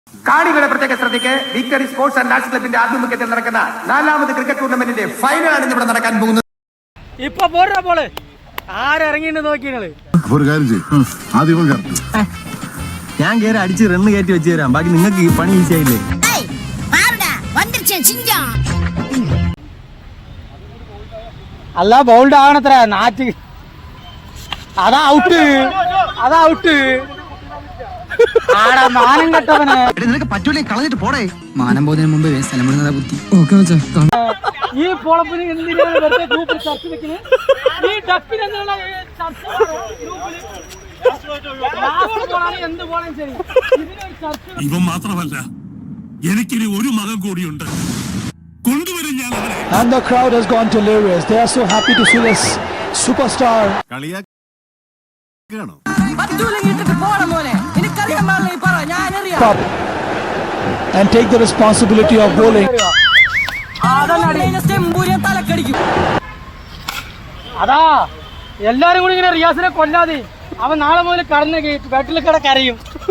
കാണികളുടെ പ്രത്യേക ശ്രദ്ധയ്ക്ക് വിക്ടറി സ്പോർട്സ് ആൻഡ് ആർട്സ് ക്ലബിന്റെ ആഭിമുഖ്യത്തിൽ നടക്കുന്ന 4ാമത് ക്രിക്കറ്റ് ടൂർണമെന്റിന്റെ ഫൈനലാണ് ഇവിടെ നടക്കാൻ പോകുന്നത്. ഇപ്പൊ പോരാ പോള് ആരിറങ്ങിണ്ട് നോക്കിയത്. ഞാൻ കേറി അടിച്ച് റണ്ണ് കയറ്റി വെച്ച് തരാം. ബാക്കി നിങ്ങൾക്ക് ഈ പണി ഈസി ആയില്ലേ? അല്ല ബൗൾഡ് ആകണത്ര നാറ്റ്. അതാ ഔട്ട്, അതാ ഔട്ട്. ആടാ മാനം കെട്ടവന്. നിനക്ക് പറ്റൂലേ കളഞ്ഞിട്ട് പോടേ. മാനം പോകുന്നതിന് മുമ്പ് സ്ഥലം വിടുന്നതാ ബുദ്ധി. ഈ പൊളപ്പിന് എന്തിനാണ് വെറുതെ ഗ്രൂപ്പിൽ ചർച്ച വെക്കുന്നത്? ഈ ഡപ്പിന് എന്നുള്ള ചർച്ച എന്ത് പോലും ശരി ഇവൻ മാത്രമല്ല, എനിക്കിനി ഒരു മകൻ കൂടിയുണ്ട്. കൊണ്ടുവരും ഞാൻ അവനെ. And the crowd has gone delirious. They are so happy to see this superstar. Up and take the responsibility of bowling. അതാ എല്ലാരും കൂടി ഇങ്ങനെ റിയാസിനെ കൊല്ലാതെ അവൻ നാളെ മുതൽ കടന്ന് ബാറ്റിൽ കിടക്കരയും.